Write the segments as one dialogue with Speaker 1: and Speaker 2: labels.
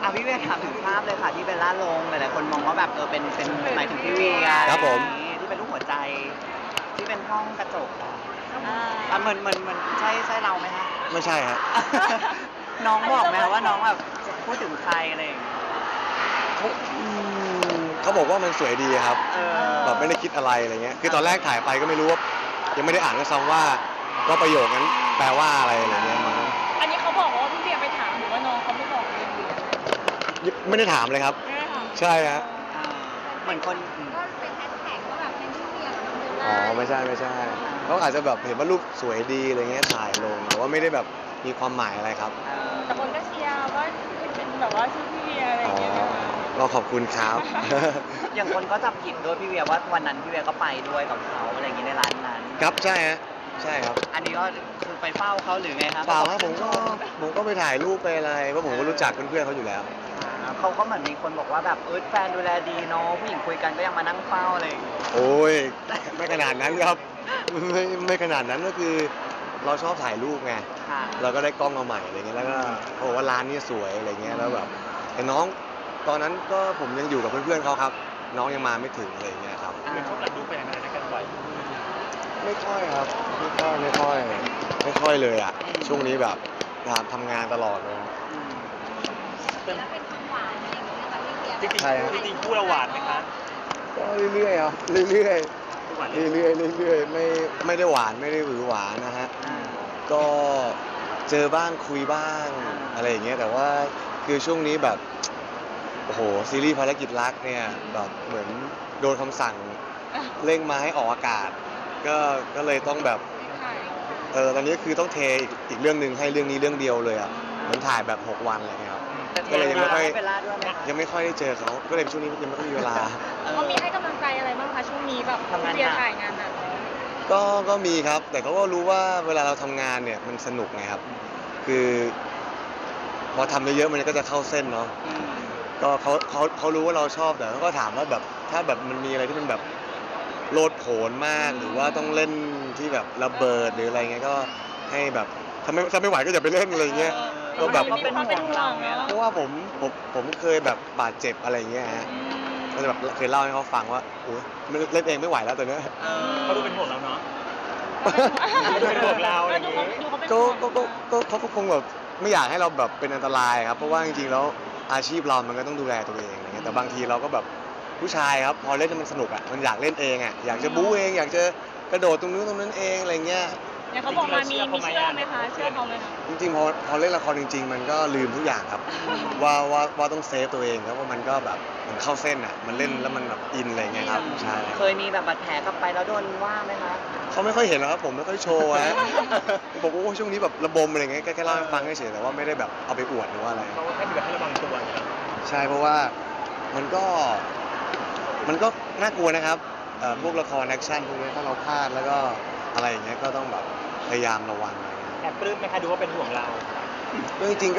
Speaker 1: พี่เวียถามถึงภาพเลยค่ะที่เบลล่าลงหลายๆคนมองว่าแบบเป็นหมายถึงพี่เวีย
Speaker 2: ครับผม
Speaker 1: ที่เป็นรูปหัวใจที่เป็นห้องกระจกอะ
Speaker 3: อ่า
Speaker 1: เหมือนใช่เราไหมคะ
Speaker 2: ไม่ใช่ฮะ
Speaker 1: น้องบอกไหมคะว่าน้องแบบพูดถึงใครอะไรอย่างเงี้ย
Speaker 2: เขาบอกว่ามันสวยดีครับ
Speaker 1: เออ
Speaker 2: แบบไม่ได้คิดอะไรอะไรเงี้ยคือตอนแรกถ่ายไปก็ไม่รู้ว่ายังไม่ได้อ่านด้วยซ้ำว่าประโยคนั้นแปลว่าอะไรอะไรเงี้ยมั้ง
Speaker 3: อันนี้เขาบอกว่าพี่เบียร์ไปถามหรือว่าน้องเขาไม่บอกเลย
Speaker 2: ไม่ได้ถามเลยครับ
Speaker 3: ไม่ได้ถาม
Speaker 2: ใช่ฮะ
Speaker 1: อ่าเหมือนคน
Speaker 4: ก็เป็นแฮชแท็กว่าแบบเป็นพี่เวียกับน้องเบล
Speaker 2: อ๋
Speaker 4: ล่า
Speaker 2: อไม่ใช่เขาอาจจะแบบเห็นว่ารูปสวยดีอะไรเงี้ยถ่ายลงแต่ว่าไม่ได้แบบมีความหมายอะไรครับ
Speaker 3: แต่คนก็เชียร์ว่าเป็นแบบว่าชื่อพี่เบียร์อะไรอ
Speaker 2: อ๋อย่าง
Speaker 3: เงี้ยนะคะ
Speaker 2: ก็ขอบคุณครับ
Speaker 1: อย่างคนก็จับผิดด้วยพี่เวียว่าวันนั้นพี่เวียก็ไปด้วยกับเขาอะไรอย่างงี้ในร้านนั้น
Speaker 2: ครับใช่ฮะใช่ครับ
Speaker 1: อันนี้ก็คือไปเฝ้าเขาหรือไงครับ
Speaker 2: เปล่าครับผมก็ไปถ่ายรูปไปอะไรเพราะผมก็รู้จักเพื่อนๆเขาอยู่แล้ว
Speaker 1: เขาก็เหมือนมีคนบอกว่าแบบแฟนดูแลดีเนาะผู้หญิงคุยกันก็ยังมานั่งเฝ้าอะไรอย่างเงี้ย
Speaker 2: โอ้ยไม่ขนาดนั้นครับไม่ขนาดนั้นก็คือเราชอบถ่ายรูปไง
Speaker 1: ค่ะ
Speaker 2: เราก็ได้กล้องมาใหม่อะไรเงี้ยแล้วก็เขาบอกว่าร้านนี้สวยอะไรเงี้ยแล้วแบบแต่น้องตอนนั้นก็ผมยังอยู่กับเพื่อนๆเขาครับ น้องยังมาไม่ถึงอะไรเงี้ยครับ
Speaker 1: อ่า
Speaker 5: ชอบถ่ายรูปไปอย่างไรด้วยกันบ่อย
Speaker 2: ไม่ค่อยครับไม่ค่อยเลยอ่ะช่วงนี้แบบทำงานตลอดเลยครับ
Speaker 1: อืม
Speaker 4: แล้วเป็นความหวานอะไรอย่างเงี้ยกับพี่เวีย
Speaker 5: จริง
Speaker 2: ใช่ครับ
Speaker 5: ๆจริงๆคู่เราหวานไหมคะ
Speaker 2: ก็เรื่อยๆครับเรื่อย
Speaker 5: คู่หวาน
Speaker 2: ๆเรื่อยๆไม่ได้หวานไม่ได้หวือหวานนะฮะ
Speaker 1: อ่า
Speaker 2: ก็เจอบ้างคุยบ้างอะไรอย่างเงี้ยแต่ว่าคือช่วงนี้แบบโอ้โหซีรีส์ภารกิจรักเนี่ยแบบเหมือนโดนคำสั่งเร่งมาให้ออกอากาศ ก็เลยต้องแบบตอนนี้คือต้องเทอีกเรื่องหนึ่งให้เรื่องนี้เรื่องเดียวเลยอ่ะเหมือนถ่ายแบบ6 วันอะไรเงี้ยครับ
Speaker 1: แต่
Speaker 2: ก็เลยยังไม่ค่อย
Speaker 1: เวลาด้วยไหมคะ
Speaker 2: ยังไม่ค่อยได้เจอเขาก็เลยช่วงนี้ยังไม่ค่อยมีเวลา
Speaker 3: เขามีให้กำลังใจอะไรบ้างคะช่วงนี้แบบพี่เบียร์ถ่ายงานหนัก
Speaker 2: ก็มีครับ แต่เขาก็รู้ว่าเวลาเราทำงานเนี่ยมันสนุกไงครับ คือพอทำเยอะๆมันก็จะเข้าเส้นเนาะ
Speaker 1: อืม
Speaker 2: ก็เขารู้ว่าเราชอบแต่เขาก็ถามว่าแบบถ้าแบบมันมีอะไรที่มันแบบโลดโผนมากหรือว่าต้องเล่นที่แบบระเบิดหรืออะไรเงี้ยก็ให้แบบถ้าไม่ไหวก็อย่าไปเล่นอะไรเงี้ย ก็แบบ
Speaker 1: เขาเป็นห่วงเราไง
Speaker 2: เพราะว่าผมเคยแบบบาดเจ็บอะไรเงี้ยฮะก็จะแบบเคยเล่าให้เขาฟังว่าโอ้ยเล่นเองไม่ไหวแล้วตอนเนี้ย
Speaker 5: เขาดูเป็นห่วงเราเนาะ เป็นห่วงเราอะไรอย่างงี้
Speaker 2: เขาก็คงแบบไม่อยากให้เราแบบเป็นอันตรายครับเพราะว่าจริงๆแล้วอาชีพเรามันก็ต้องดูแลตัวเองอะไรเงี้ยแต่บางทีเราก็แบบผู้ชายครับพอเล่นแล้วมันสนุกอ่ะมันอยากเล่นเองอ่ะอยากจะบู๊เองอยากจะกระโดดตรงนู้นตรงนั้นเองอะไรเงี้ย
Speaker 3: อย่างเขาบอกมามีเชื่อไหมคะเชื่อเขาไหมคะ
Speaker 2: จริงๆพอเล่นละครจริง ๆ มันก็ลืมทุกอย่างครับ ว่าต้องเซฟตัวเองครับว่ามันก็แบบมันเข้าเส้นอ่ะมันเล่นแล้วมันแบบอินอะไรเงี้ยครับใช่
Speaker 1: เคยมีแบบบาดแผลกลับไปแล้วโดนว่าไหมคะ
Speaker 2: เขาไม่ค่อยเห็นหรอกครับผมไม่ค่อยโชว์ฮะ บอกว่าโอ้ช่วงนี้แบบระบมอะไรเงี้ยแค่เล่าให้ฟังเฉยๆแต่ว่าไม่ได้แบบเอาไปอวดหรือว่าอะไร
Speaker 5: เขาให้แบบให้ระวังตัวอย่างเงี้ย
Speaker 2: ใช่เพราะว่ามันก็น่ากลัวนะครับพวกละครแอคชั่นพวกนี้ถ้าเราพลาดแล้วก็อะไรอย่างเงี้ยก็ต้องแบบพยายามระวังอะไรเงี้ย
Speaker 5: แอบปลื้มไหมคะดูว่าเป็นห่วงเรา
Speaker 2: ก็จริงๆ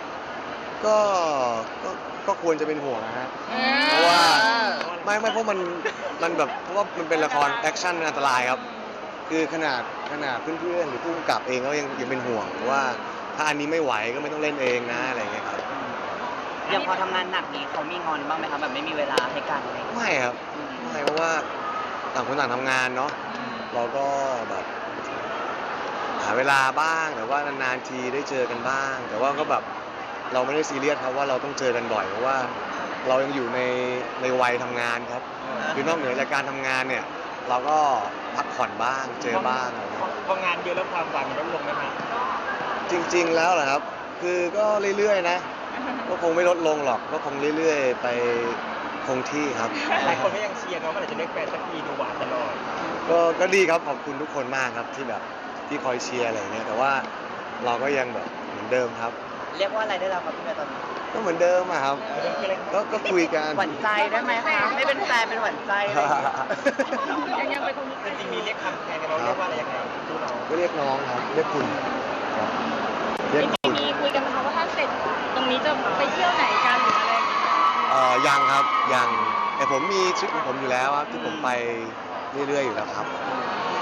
Speaker 2: ก็ควรจะเป็นห่วงนะฮะ เพราะว่าไม่เพราะมันแบบเพราะว่ามันเป็นละครแอคชั่นอันตรายครับ คือขนาดเพื่อนๆหรือผู้กำกับเองก็ยังเป็นห่วงว่าถ้าอันนี้ไม่ไหวก็ไม่ต้องเล่นเองนะอะไรเงี้ยครับ
Speaker 1: อย่างพอทำงานหนักนี้เขามีงอนบ้างไหมคะแบบไม่มีเวลาให้กันอะไรอย่างเงี้ย
Speaker 2: ไม่ครับไม่เพราะว่าต่างคนต่างทำงานเนาะเราก็แบบหาเวลาบ้างแต่ว่านานๆทีได้เจอกันบ้าง แต่ว่าก็แบบเราไม่ได้ซีเรียสครับว่าเราต้องเจอกันบ่อยเพราะว่าเรายังอยู่ในวัยทำงานครับ คือนอกเหนือจากการทำงานเนี่ยเราก็พักผ่อนบ้างเจอบ้างอะไรเงี้ย
Speaker 5: พองานเยอะแล้วความหวานมันลดลงไหมคะ
Speaker 2: จริงๆแล้วเหรอครับ คือก็เรื่อยๆนะ ก็คงไม่ลดลงหรอกก็คงเรื่อยๆไปคงที่ครับ
Speaker 5: หลายคนก็ยังเชียร์เนาะว่าเราจะเรียกแฟนสักทีดูหวานตลอด
Speaker 2: ก็ดีครับขอบคุณทุกคนมากครับที่แบบที่คอยเชียร์อะไรเงี้ยแต่ว่าเราก็ยังแบบเหมือนเดิมครับ
Speaker 1: เรียกว่าอะไรได้แล้วครับพี่เมย์ตอนนี้
Speaker 2: ก็เหมือนเดิมอะครับ ก็คุยกัน
Speaker 1: หวั่นใจได้ไหมคะไม่เป็นแฟนเป็นหวั่นใจอะไรอย่างเงี้ย
Speaker 3: ยังเป็นคน
Speaker 5: จริงๆมีเรียกคำแทนกันเราเรียกว่าอะไรยังไงคู่เรา
Speaker 2: ก็เรียกน้องครับเรียกคุณครับเรียกคุณ
Speaker 3: มีคุยกันไหมคะว่าถ้าเสร็จตรงนี้จะไปเที่ยวไหนกันหรืออะไรอย่างเงี้ย
Speaker 2: ยังครับยังแต่ผมมีทริปของผมอยู่แล้วครับที่ผมไปเรื่อยๆอยู่แล้วครับ
Speaker 1: อ